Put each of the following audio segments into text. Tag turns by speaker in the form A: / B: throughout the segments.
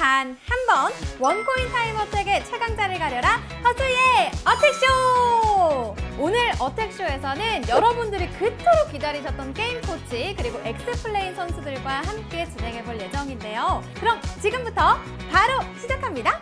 A: 단 한 번 원코인 타임어택의 최강자를 가려라 허수의 어택쇼! 오늘 어택쇼에서는 여러분들이 그토록 기다리셨던 게임 코치 그리고 엑스플레인 선수들과 함께 진행해 볼 예정인데요. 그럼 지금부터 바로 시작합니다.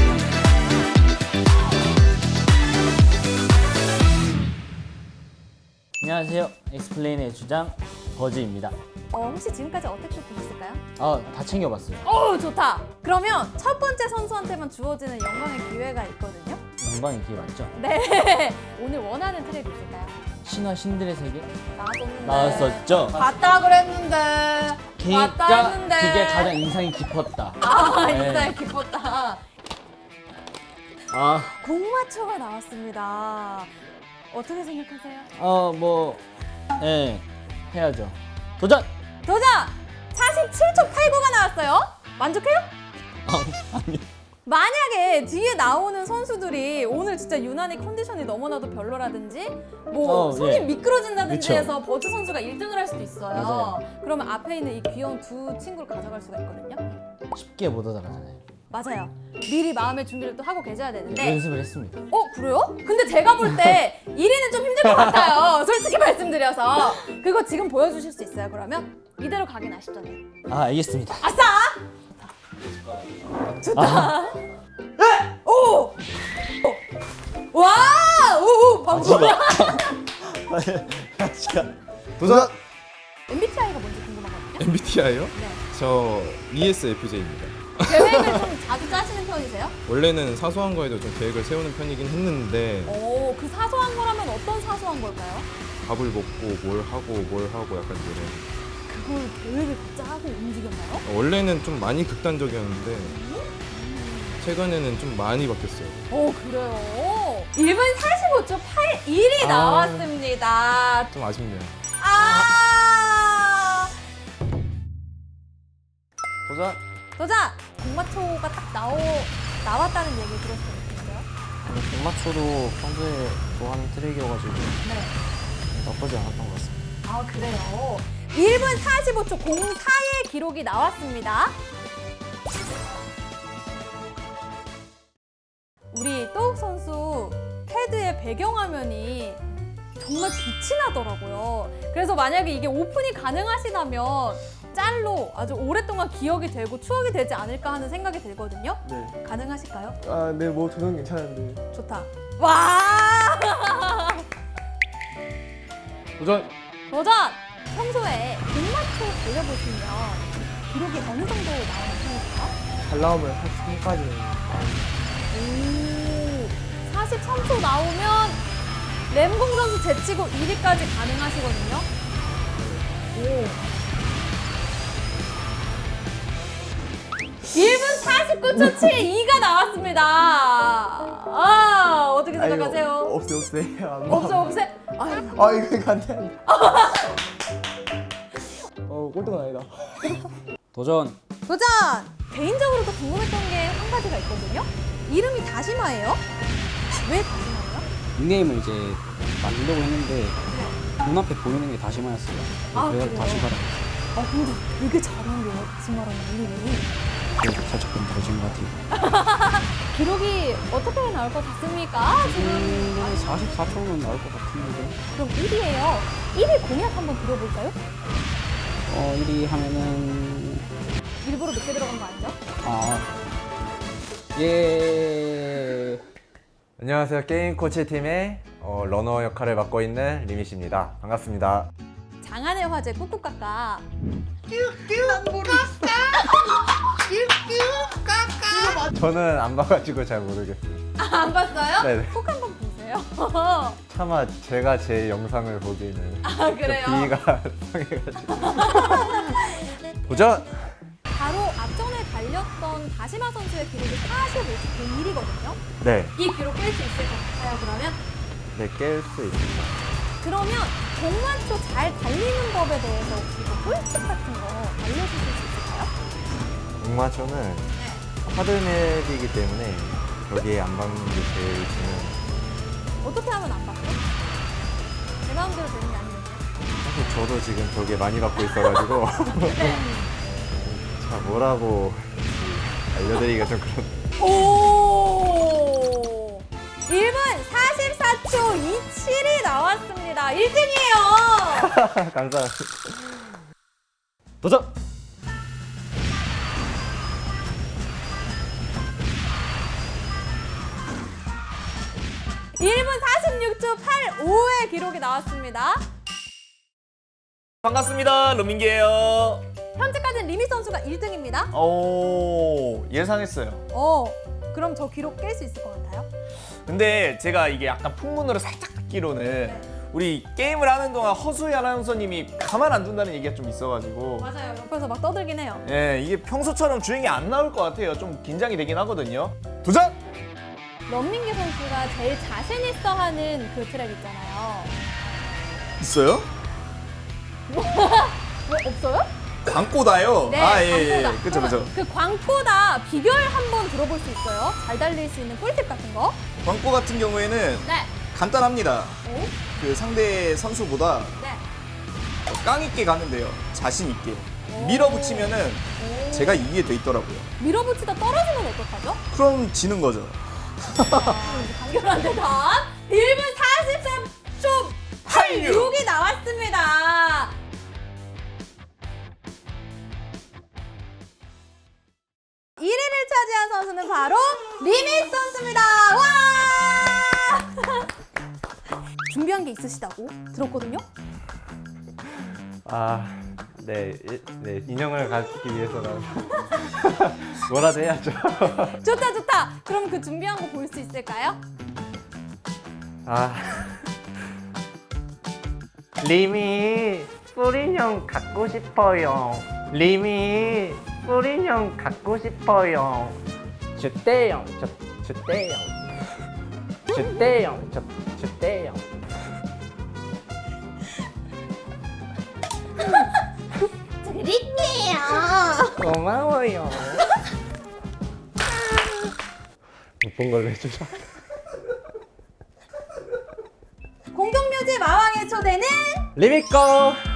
B: 안녕하세요. 엑스플레인의 주장 버즈입니다.
A: 혹시 지금까지 어택쇼 보셨을까요?
B: 다 챙겨봤어요.
A: 좋다! 그러면 첫 번째 선수한테만 주어지는 영광의 기회가 있거든요.
B: 영광의 기회 맞죠?
A: 네. 오늘 원하는 트랙이 있을까요?
B: 신화 신들의 세계
A: 나왔었는데.
B: 나왔었죠?
A: 봤다 그랬는데. 봤다 했는데.
B: 그게 가장 인상이 깊었다. 네.
A: 인상이 깊었다.
B: 아,
A: 공마초가 나왔습니다. 어떻게 생각하세요?
B: 해야죠. 도전!
A: 도전! 47초 89가 나왔어요. 만족해요?
B: 아니.
A: 만약에 뒤에 나오는 선수들이 오늘 진짜 유난히 컨디션이 너무나도 별로라든지 손이
B: 예.
A: 미끄러진다든지
B: 그쵸.
A: 해서 버즈 선수가 1등을 할 수도 있어요.
B: 맞아요.
A: 그러면 앞에 있는 이 귀여운 두 친구를 가져갈 수가 있거든요.
B: 쉽게 못 얻어가잖아요.
A: 맞아요. 미리 마음의 준비를 또 하고 계셔야 되는데.
B: 연습을 했습니다.
A: 그래요? 근데 제가 볼 때 1위는 좀 힘들 것 같아요. 솔직히 말씀드려서. 그거 지금 보여주실 수 있어요, 그러면? 이대로 가긴 아쉽잖아요.
B: 알겠습니다.
A: 아싸! 좋다. 오! 와! 오! 방금.
C: 도전!
A: MBTI가 뭔지 궁금하거든요.
C: MBTI요?
A: 네.
C: 저 ESFJ입니다.
A: 계획을 좀 자주 짜시는 편이세요?
C: 원래는 사소한 거에도 좀 계획을 세우는 편이긴 했는데
A: 그 사소한 거라면 어떤 사소한 걸까요?
C: 밥을 먹고 뭘 하고 약간 이런.
A: 그걸 계획을 짜고 움직였나요?
C: 원래는 좀 많이 극단적이었는데 최근에는 좀 많이 바뀌었어요.
A: 그래요? 1분 45초 81이 나왔습니다.
C: 좀 아쉽네요.
B: 도전!
A: 도전! 공마초가 딱 나왔다는 얘기 들었어요.
B: 공마초도 평소에 좋아하는 트랙이어가지고
A: 네.
B: 나쁘지 않았던 것 같습니다.
A: 그래요? 1분 45초 04의 기록이 나왔습니다. 우리 또욱 선수 패드의 배경화면이 정말 빛이 나더라고요. 그래서 만약에 이게 오픈이 가능하시다면 짤로 아주 오랫동안 기억이 되고 추억이 되지 않을까 하는 생각이 들거든요.
D: 네.
A: 가능하실까요?
D: 네, 뭐 도전 괜찮은데.
A: 좋다. 와!
D: 도전!
A: 도전! 평소에 공마초 달려보시면 기록이 어느 정도 나오는 편이세요?
D: 잘 나오면 43까지.
A: 오, 43초 나오면 램공 선수 제치고 1위까지 가능하시거든요. 오. 1분 49초 72가 나왔습니다. 어떻게 생각하세요?
D: 없어요.
A: 없애?
D: 이거 안 돼. 꼴등은 아니다.
B: 도전!
A: 도전! 개인적으로 도 궁금했던 게 한 가지가 있거든요. 이름이 다시마예요? 왜 다시마예요?
E: 닉네임을 이제 만들려고 했는데 눈앞에 보이는 게 다시마였어요. 그래서
A: 그래요?
E: 다시마라.
A: 근데 되게 잘 어울려요. 다시마라는 이름이.
E: 그래서 살짝 좀 더진 것 같아요.
A: 기록이 어떻게 나올 것 같습니까? 지금
E: 44초는 나올 것 같은데.
A: 그럼 1위예요. 1위 공약 한번 들어볼까요?
E: 1위 하면은
A: 일부러 늦게 들어간 거 아니죠?
E: 예.
F: 안녕하세요. 게임 코치 팀의 러너 역할을 맡고 있는 리미씨입니다. 반갑습니다.
A: 장안의 화제 꾹꾹까까.
F: 저는 안 봐가지고 잘 모르겠어요.
A: 안 봤어요?
F: 네네.
A: 꼭 한번 보세요.
F: 차마 제가 제 영상을 보기에는
A: 그래요?
F: 비위가 상해가지고. 도전!
A: 바로 앞전에 달렸던 다시마 선수의 기록이 45초 01이거든요.
F: 네,
A: 이 기록 깰 수 있을 것 같아요, 그러면?
F: 네, 깰 수 있습니다.
A: 그러면 공마초 잘 달리는 법에 대해서 혹시 꿀팁 같은 거 알려주실 수 있을까요?
F: 공마초는 하드맵이기 때문에 벽에 안 박는 게 제일 중요해요.
A: 어떻게 하면 안 받죠? 제 마음대로 되는 게 아니거든요.
F: 사실 저도 지금 벽에 많이 박고 있어가지고 자, 뭐라고 알려드리기가 좀 그런.
A: 오! 1분 44초 27이 나왔습니다. 1등이에요.
D: 감사합니다.
B: 도전!
A: 1분 46초 85의 기록이 나왔습니다.
G: 반갑습니다. 로민기예요.
A: 현재까지는 리미 선수가 1등입니다.
G: 오, 예상했어요.
A: 그럼 저 기록 깰 수 있을 것 같아요?
G: 근데 제가 이게 약간 풍문으로 살짝 듣기로는 우리 게임을 하는 동안 허수희 아나운서님이 가만 안 둔다는 얘기가 좀 있어가지고
A: 맞아요. 옆에서 막 떠들긴 해요.
G: 예, 이게 평소처럼 주행이 안 나올 것 같아요. 좀 긴장이 되긴 하거든요. 도전!
A: 런민기 선수가 제일 자신 있어 하는 그 트랙 있잖아요.
G: 있어요?
A: 뭐 없어요?
G: 광고다요?
A: 네,
G: 아, 예, 예.
A: 광고다.
G: 그쵸, 그쵸.
A: 그 광고다 비결 한번 들어볼 수 있어요? 잘 달릴 수 있는 꿀팁 같은 거?
H: 광고 같은 경우에는
A: 네.
H: 간단합니다.
A: 오?
H: 그 상대 선수보다
A: 네.
H: 깡 있게 가면 돼요. 자신 있게. 밀어붙이면은 제가 이기게 돼 있더라고요.
A: 밀어붙이다 떨어지면 어떡하죠?
H: 그럼 지는 거죠.
A: 간결한 대답. 1분 43초 86이 나왔습니다. 1위를 차지한 선수는 바로 리미 선수입니다. 와! 준비한 게 있으시다고 들었거든요?
F: 네, 인형을 갖기 위해서는 뭐라도 해야죠.
A: 좋다 좋다. 그럼 그 준비한 거 볼 수 있을까요?
D: 리미 뿌린형 갖고 싶어요. 리미 뿌린형 갖고 싶어요. 주대형 주대형 주대형 주대형.
A: 드릴게요.
D: 고마워요.
F: 못 본 걸로 해주자.
A: 공동묘지 마왕의 초대는
D: 리미 거